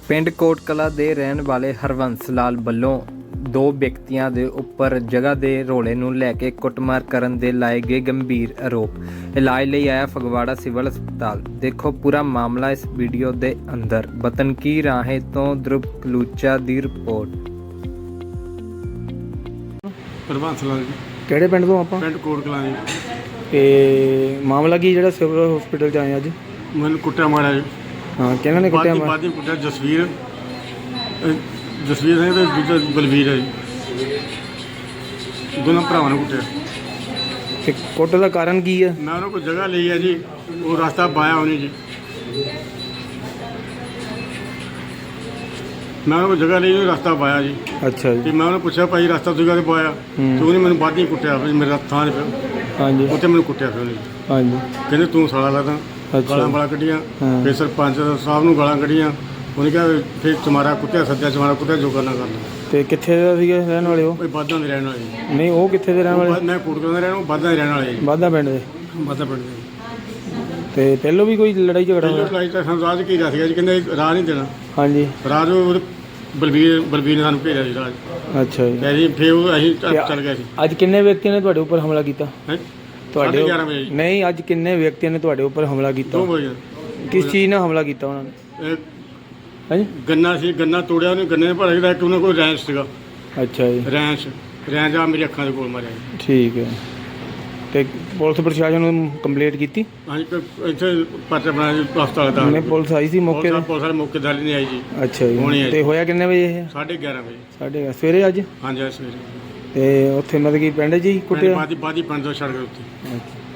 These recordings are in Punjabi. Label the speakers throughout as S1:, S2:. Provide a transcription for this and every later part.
S1: ਪਿੰਡ ਕੋਟ ਕਲਾਂ ਦੇ ਰਹਿਣ ਵਾਲੇ ਹਰਬੰਸ ਲਾਲ ਵੱਲੋਂ ਦੋ ਵਿਅਕਤੀਆਂ ਦੇ ਉੱਪਰ ਜਗ੍ਹਾ ਦੇ ਰੌਲੇ ਨੂੰ ਲੈ ਕੇ ਕੁੱਟਮਾਰ ਕਰਨ ਦੇ ਲਾਏ ਗਏ ਗੰਭੀਰ ਆਰੋਪ। ਇਲਾਜ ਲਈ ਆਇਆ ਫਗਵਾੜਾ ਸਿਵਲ ਹਸਪਤਾਲ। ਦੇਖੋ ਪੂਰਾ ਮਾਮਲਾ ਇਸ ਵੀਡੀਓ ਦੇ ਅੰਦਰ। ਵਤਨ ਕੀ ਰਾਹੇ ਤੋਂ ਧਰੁਵ ਕਲੂਚਾ ਦੀ ਰਿਪੋਰਟ।
S2: ਹਰਬੰਸ ਲਾਲ ਜੀ,
S3: ਕਿਹੜੇ ਪਿੰਡ ਤੋਂ ਆਪਾਂ?
S2: ਪਿੰਡ ਕੋਟ ਕਲਾਂ ਜੀ।
S3: ਤੇ ਮਾਮਲਾ ਕੀ ਜਿਹੜਾ ਸਿਵਲ ਹਸਪੀਟਲ 'ਚ ਆਏ ਅੱਜ?
S2: ਮੈਨੂੰ ਕੁੱਟਿਆ ਮਾਰਿਆ ਜੀ।
S3: ਹਾਂ, ਕਿਹਨਾਂ ਨੇ ਕੁੱਟਿਆ?
S2: ਬਾਦੀ ਕੁੱਟਿਆ ਜਸਵੀਰ ਸਿੰਘ ਤੇ ਦੂਜਾ ਬਲਵੀਰ ਹੈ ਜੀ। ਦੋਨਾਂ ਭਰਾਵਾਂ ਨੇ ਕੁੱਟਿਆ।
S3: ਤੇ ਕੁੱਟ ਦਾ ਕਾਰਨ ਕੀ ਆ?
S2: ਮੈਂ ਉਹਨਾਂ ਕੋਲ ਜਗ੍ਹਾ ਲਈ ਹੈ ਜੀ, ਉਹ ਰਸਤਾ ਪਾਇਆ ਉਹਨੇ ਜੀ। ਮੈਂ ਉਹਨਾਂ ਕੋਲ ਜਗ੍ਹਾ ਲਈ ਰਸਤਾ ਪਾਇਆ ਜੀ।
S3: ਅੱਛਾ ਜੀ।
S2: ਤੇ ਮੈਂ ਉਹਨੂੰ ਪੁੱਛਿਆ ਭਾਈ ਰਸਤਾ ਤੁਸੀਂ ਕਾਹਦੇ ਪਾਇਆ? ਤੇ ਉਹਨੇ ਮੈਨੂੰ ਬਾਦੀ ਕੁੱਟਿਆ ਫਿਰ ਮੇਰੇ ਥਾਂ 'ਤੇ ਪਿਆ।
S3: ਹਾਂਜੀ।
S2: ਉੱਥੇ ਮੈਨੂੰ ਕੁੱਟਿਆ ਫਿਰ ਉਹਨੇ।
S3: ਹਾਂਜੀ।
S2: ਕਹਿੰਦੇ ਤੂੰ ਸਾਲਾ ਲੱਗਦਾ। ਗਾਲਾਂ ਵਾਲਾ ਕੱਢੀਆਂ। ਫਿਰ ਸਰਪੰਚ ਸਾਹਿਬ ਨੂੰ ਗਾਲਾਂ ਕੱਢੀਆਂ। ਉਹਨੇ ਕਿਹਾ ਫਿਰ ਤੁਹਾਡਾ ਕੁੱਤਿਆ ਸੱਜਾ ਤੁਹਾਡਾ ਕੁੱਤਿਆ ਜੋ ਕਰਨਾ ਕਰਨਾ।
S3: ਤੇ ਕਿੱਥੇ ਦਾ ਸੀਗੇ ਰਹਿਣ ਵਾਲੇ ਉਹ?
S2: ਕੋਈ ਬਾਦਾਂ ਦੇ ਰਹਿਣ ਵਾਲੇ।
S3: ਨਹੀਂ, ਉਹ ਕਿੱਥੇ ਦੇ ਰਹਿਣ ਵਾਲੇ?
S2: ਮੈਂ ਕੋਟਕਲਾਂ ਦਾ ਰਹਿਣ ਵਾਲਾ, ਬਾਦਾਂ ਦੇ ਰਹਿਣ ਵਾਲੇ ਜੀ।
S3: ਬਾਦਾ ਪਿੰਡ ਦੇ?
S2: ਬਾਦਾਂ ਪਿੰਡ ਦੇ।
S3: ਤੇ ਪਹਿਲੋਂ ਵੀ ਕੋਈ ਲੜਾਈ ਝਗੜਾ
S2: ਪਹਿਲਾਂ
S3: ਹੋਇਆ?
S2: ਲੜਾਈ ਤਾਂ ਸਾਨੂੰ ਰਾਜ ਕੀ ਦੱਸ ਗਿਆ ਜੀ, ਕਹਿੰਦੇ ਰਾਹ ਨਹੀਂ ਦੇਣਾ।
S3: ਹਾਂਜੀ।
S2: ਰਾਜ ਉਹ ਬਲਵੀਰ ਨੇ ਸਾਨੂੰ ਭੇਜਿਆ ਜੀ ਰਾਜ।
S3: ਅੱਛਾ ਜੀ।
S2: ਤੇ ਜੀ ਫਿਰ ਉਹ ਅਸੀਂ ਚੱਲ ਗਏ ਸੀ।
S3: ਅੱਜ ਕਿੰਨੇ ਵਿਅਕਤੀਆਂ ਨੇ ਤੁਹਾਡੇ ਉੱਪਰ ਹਮਲਾ ਕੀਤਾ?
S2: ਹੈਂ?
S3: ਤੁਹਾਡੇ
S2: 11:30 ਵਜੇ ਜੀ।
S3: ਨਹੀਂ, ਅੱਜ ਕਿੰਨੇ ਵਿਅਕਤੀਆਂ ਨੇ ਤੁਹਾਡੇ ਉੱਪਰ ਹਮਲਾ ਕੀਤਾ?
S2: 2 ਵਜੇ।
S3: ਕਿਸ ਚੀਜ਼ ਨਾਲ ਹਮਲਾ ਕੀਤਾ ਉਹਨਾਂ ਨੇ?
S2: ਇਹ
S3: ਹਾਂਜੀ।
S2: ਗੰਨਾ ਸੀ, ਗੰਨਾ ਤੋੜਿਆ ਉਹਨੇ। ਗੰਨੇ ਨੇ ਭਰ ਕੇ ਇੱਕ ਉਹਨਾਂ ਕੋਲ ਰੈਂਚ ਸੀਗਾ।
S3: ਅੱਛਾ ਜੀ।
S2: ਰੈਂਚ ਆ ਮੇਰੀ ਅੱਖਾਂ ਦੇ ਕੋਲ ਮਾਰਿਆ ਜੀ।
S3: ਠੀਕ ਹੈ। ਤੇ ਪੁਲਿਸ ਪ੍ਰਸ਼ਾਸਨ ਨੂੰ ਕੰਪਲੇਂਟ ਕੀਤੀ?
S2: ਹਾਂਜੀ ਇੱਥੇ ਪਰਚਾ ਬਣਾਇਆ ਜੀ ਹਸਪਤਾਲ ਦਾ।
S3: ਨਹੀਂ, ਪੁਲਿਸ ਆਈ ਸੀ ਮੌਕੇ ਤੇ?
S2: ਪੁਲਿਸ ਵਾਲੇ ਮੌਕੇ ਤੇ ਨਹੀਂ ਆਈ ਜੀ।
S3: ਅੱਛਾ
S2: ਹੋਣੀ
S3: ਜੀ।
S2: ਹੈ
S3: ਤੇ ਹੋਇਆ ਕਿੰਨੇ ਵਜੇ ਇਹ?
S2: 11:30 ਵਜੇ।
S3: ਸਾਡੇ ਸਵੇਰੇ ਅੱਜ?
S2: ਹਾਂਜੀ ਅੱਜ ਸਵੇਰੇ।
S3: ਤੇ ਉੱਥੇ ਮਤਲਬ ਕਿ ਪਿੰਡ 'ਚ ਹੀ ਕੁੱਟਿਆ?
S2: ਬਾਦੀ ਪਿੰਡ ਤੋਂ ਸੜਕ ਉੱਤੇ।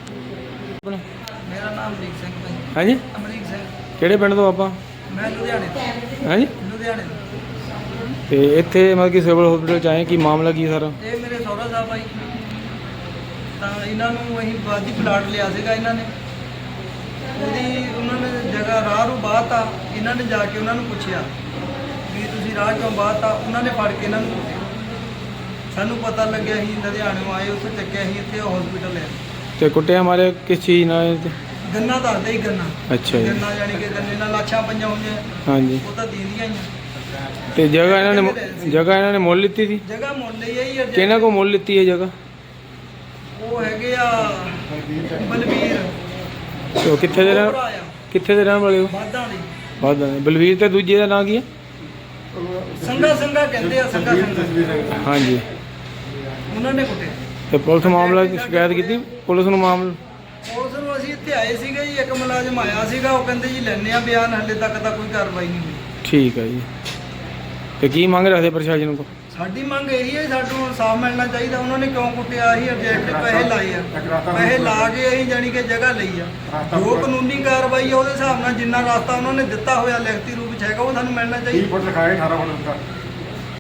S4: ਮੇਰਾ ਨਾਮ ਅਮਰੀਕ ਸਿੰਘ ਹੈ।
S3: ਹਾਂਜੀ।
S4: ਅਮਰੀਕ ਸਿੰਘ।
S3: ਕਿਹੜੇ ਪਿੰਡ ਤੋਂ ਆਪਾਂ?
S4: ਮੈਂ ਲੁਧਿਆਣੇ ਤੋਂ।
S3: ਹਾਂਜੀ।
S4: ਲੁਧਿਆਣੇ ਤੋਂ।
S3: ਤੇ ਇੱਥੇ ਮਤਲਬ ਕਿ ਸਿਵਲ ਹਸਪੀਟਲ 'ਚ ਆਏ, ਕੀ ਮਾਮਲਾ ਕੀ ਸਾਰਾ?
S4: ਇਹ ਮੇਰੇ ਸਹੁਰਾ ਸਾਹਿਬ ਆਈ ਤਾਂ ਇਹਨਾਂ ਨੂੰ ਅਸੀਂ ਬਾਦੀ ਪਲਾਟ ਲਿਆ ਸੀਗਾ ਇਹਨਾਂ ਨੇ। ਉਹਨਾਂ ਨੇ ਜਗ੍ਹਾ ਰਾਹ ਨੂੰ ਬਾਹਤਾ। ਇਹਨਾਂ ਨੇ ਜਾ ਕੇ ਉਹਨਾਂ ਨੂੰ ਪੁੱਛਿਆ ਵੀ ਤੁਸੀਂ ਰਾਹ ਕਿਉਂ ਬਾਹਤਾ? ਉਹਨਾਂ ਨੇ ਫੜ ਕੇ ਇਹਨਾਂ ਨੂੰ ਕੁੱਟਿਆ। ਸਾਨੂੰ ਪਤਾ ਲੱਗਿਆ, ਅਸੀਂ ਲੁਧਿਆਣਿਓਂ ਆਏ, ਉੱਥੇ ਚੱਕਿਆ, ਅਸੀਂ ਇੱਥੇ ਹਸਪੀਟਲ ਲਿਆ।
S3: ਤੇ ਕੁੱਟਿਆ ਮਾਰਿਆ ਕਿਸ ਚੀਜ਼ ਨਾਲ?
S4: ਗੰਨਾ ਦੱਸਦੇ ਹੀ ਗੰਨਾ।
S3: ਅੱਛਾ ਜੀ।
S4: ਗੰਨਾ ਯਾਨੀ ਕਿ ਗੰਨੇ ਨਾਲ ਲਾਸ਼ਾਂ ਪਈਆਂ ਹੋਈਆਂ।
S3: ਹਾਂਜੀ।
S4: ਉਹ ਤਾਂ ਦੀਂਦੀਆਂ ਹੀ ਆ।
S3: ਤੇ ਜਗ੍ਹਾ ਇਹਨਾਂ ਨੇ ਮੁੱਲ ਲਿੱਤੀ ਸੀ?
S4: ਜਗ੍ਹਾ ਮੁੱਲ ਲਈ ਆ ਜੀ।
S3: ਕਿਹਨਾਂ ਕੋਲ ਮੁੱਲ ਲਿੱਤੀ ਹੈ ਜਗ੍ਹਾ?
S4: ਉਹ ਹੈਗੇ ਆ ਬਲਵੀਰ।
S3: ਤੇ ਉਹ ਕਿੱਥੇ ਦੇ ਰਹਿਣ ਵਾਲੇ ਹੋ?
S4: ਵਾਦਾਂ ਦੀ।
S3: ਵਾਦਾ। ਬਲਵੀਰ ਤੇ ਦੂਜੇ ਦਾ ਨਾਂ ਕੀ ਹੈ?
S4: ਸੰਗਾ ਕਹਿੰਦੇ ਆ। ਸੰਗਾ।
S3: ਹਾਂਜੀ।
S4: ਉਹਨਾਂ ਨੇ ਕੁੱਟੇ।
S3: ਤੇ ਪੁਲਿਸ ਮਾਮਲਾ ਸ਼ਿਕਾਇਤ ਕੀਤੀ? ਪੁਲਿਸ ਨੂੰ ਮਾਮਲਾ?
S4: ਪੁਲਿਸ ਨੂੰ ਅਸੀਂ ਇੱਥੇ ਆਏ ਸੀਗੇ ਜੀ। ਇੱਕ ਮੁਲਾਜ਼ਮ ਆਇਆ ਸੀਗਾ, ਉਹ ਕਹਿੰਦੇ ਜੀ ਲੈਣੇ ਆ ਬਿਆਨ, ਹਲੇ ਤੱਕ ਤਾਂ ਕੋਈ ਕਾਰਵਾਈ ਨਹੀਂ ਹੋਈ।
S3: ਠੀਕ ਹੈ ਜੀ। ਤੇ ਕੀ ਮੰਗ ਰੱਖਦੇ ਪ੍ਰਸ਼ਾਸਨ ਕੋਲ?
S4: ਸਾਡੀ ਮੰਗ ਇਹੀ ਹੈ, ਸਾਨੂੰ ਇਨਸਾਫ ਮਿਲਣਾ ਚਾਹੀਦਾ। ਉਹਨਾਂ ਨੇ ਕਿਉਂ ਕੁੱਟਿਆ? ਅਸੀਂ ਅਬਜੈਕਟ ਪੈਸੇ ਲਾਏ ਆ। ਪੈਸੇ ਲਾ ਕੇ ਅਸੀਂ ਜਾਣੀ ਕਿ ਜਗ੍ਹਾ ਲਈ ਆ। ਜੋ ਕਾਨੂੰਨੀ ਕਾਰਵਾਈ ਆ ਉਹਦੇ ਹਿਸਾਬ ਨਾਲ ਜਿੰਨਾ ਰਸਤਾ ਉਹਨਾਂ ਨੇ ਦਿੱਤਾ ਹੋਇਆ ਲਿਖਤੀ ਰੂਪ ਵਿੱਚ ਹੈਗਾ, ਉਹ ਸਾਨੂੰ ਮਿਲਣਾ ਚਾਹੀਦਾ।
S2: 20 ਫੁੱਟ ਲਿਖਾਏ 18 ਫੁੱਟ ਦਿੱਤਾ।